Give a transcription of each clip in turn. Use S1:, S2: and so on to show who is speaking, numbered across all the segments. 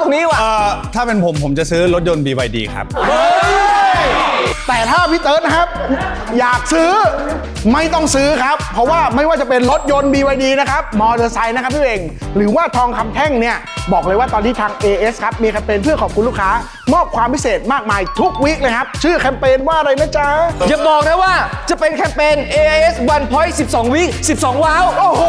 S1: ตรงนี้ว่ะ
S2: ถ้าเป็นผมจะซื้อรถยนต์ BYD ครับ
S3: แต่ถ้าพี่เติร์ดนะครับอยากซื้อไม่ต้องซื้อครับเพราะว่าไม่ว่าจะเป็นรถยนต์ BYD นะครับมอเตอร์ไซค์นะครับพี่เองหรือว่าทองคำแท่งเนี่ยบอกเลยว่าตอนนี้ทาง AS ครับมีแคมเปญเพื่อขอบคุณลูกค้ามอบความพิเศษมากมายทุกวีคเลยครับชื่อแคมเปญว่าอะไรนะจ๊ะ
S1: อย่าบอกนะว่าจะเป็นแคมเปญ AIS One Point 12 วิ12 ว้าว
S3: โอ้โห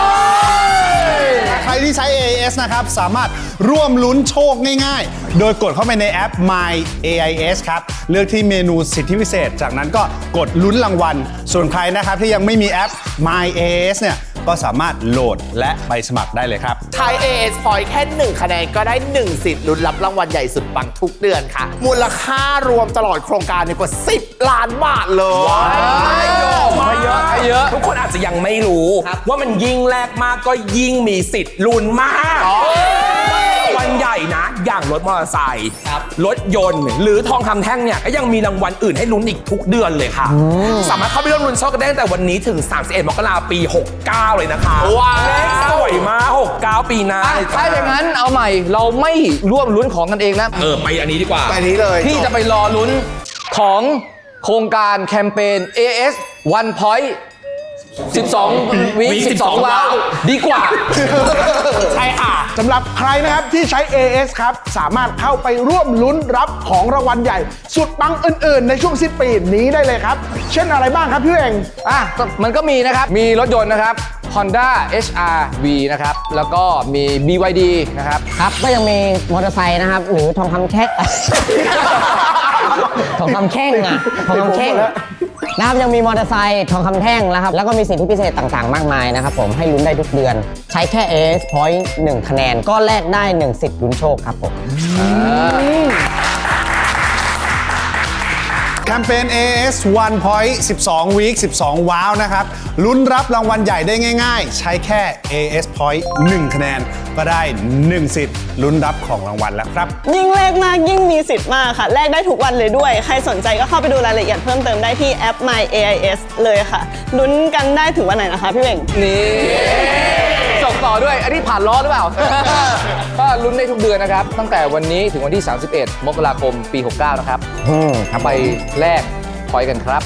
S2: ใครที่ใช้ AIS นะครับสามารถร่วมลุ้นโชคง่ายๆโดยกดเข้าไปในแอป My AIS ครับเลือกที่เมนูสิทธิพิเศษจากนั้นก็กดลุ้นรางวัลส่วนใครนะครับที่ยังไม่มีแอป My AIS เนี่ยก็สามารถโหลดและไปสมัครได้เลยครับ
S4: ใช้ AS Point แค่1คะแนนก็ได้1สิทธิ์ลุ้นรับรางวัลใหญ่สุดปังทุกเดือนค่ะมูลค่ารวมตลอดโครงการกว่า10 ล้านบาทเลย
S1: ไม่เยอะ
S5: ทุกคนอาจจะยังไม่รู้ว่ามันยิ่งแลกมากก็ยิ่งมีสิทธิ์ลุ้นมากวันใหญ่นะอย่างรถมอเตอร์ไซค์รถยนต์หรือทองคำแท่งเนี่ยก็ยังมีรางวัลอื่นให้ลุ้นอีกทุกเดือนเลยค่ะสามารถเข้าไปร่วมลุ้นโชคกันได้ตั้งแต่วันนี้ถึง31 มกราคมปี 69 เลยนะคะว้าวเลขสวยมาก69 ปีหน้า
S1: ถ้าอย่างนั้นเอาใหม่เราไม่ร่วมลุ้นของกันเองนะ
S5: ไปอันนี้ดีกว่า
S3: ไปนี้เลย
S1: พี่จะไปรอลุ้นของโครงการแคมเปญ AS One Point 12 วิ12 ว้าวดีกว่า
S3: ใช่ค่ะสำหรับใครนะครับที่ใช้ AS ครับสามารถเข้าไปร่วมลุ้นรับของรางวัลใหญ่สุดปังอื่นๆในช่วงสิ้นปีนี้ได้เลยครับเช่นอะไรบ้างครับพี่เอง
S1: มันก็มีนะครับมีรถยนต์นะครับ Honda HR-V นะครับแล้วก็มี BYD นะครับ
S6: ครับก็ยังมีมอเตอร์ไซค์นะครับหรือทองคำแท่งทองคำแท่งอะทองคำแท่งนะครับยังมีมอเตอร์ไซค์ทองคำแท่งนะครับแล้วก็มีสิทธิพิเศษต่างๆมากมายนะครับผมให้ลุ้นได้ทุกเดือนใช้แค่ AS Point 1 คะแนนก็แลกได้1สิทธิ์ลุ้นโชคครับผม
S2: แคมเปญ AS One Point 12 Week 12 ว้าวนะครับลุ้นรับรางวัลใหญ่ได้ง่ายๆใช้แค่ AS Point 1 คะแนนก็ได้1สิทธิ์ลุ้นรับของรางวัลแล้วครับ
S7: ยิ่งแลกมากยิ่งมีสิทธิ์มากค่ะแลกได้ทุกวันเลยด้วยใครสนใจก็เข้าไปดูรายละเอียดเพิ่มเติมได้ที่แอป My AIS เลยค่ะลุ้นกันได้ถึงวันไหนนะคะพี่เบ่ง
S1: นี่ส่งต่อด้วยอันนี้ผ่านล้อหรือเปล่า ก็ลุ้นได้ทุกเดือนนะครับตั้งแต่วันนี้ถึงวันที่ 31 มกราคมปี 69 นะครับไปแลกพอยต์กันครับ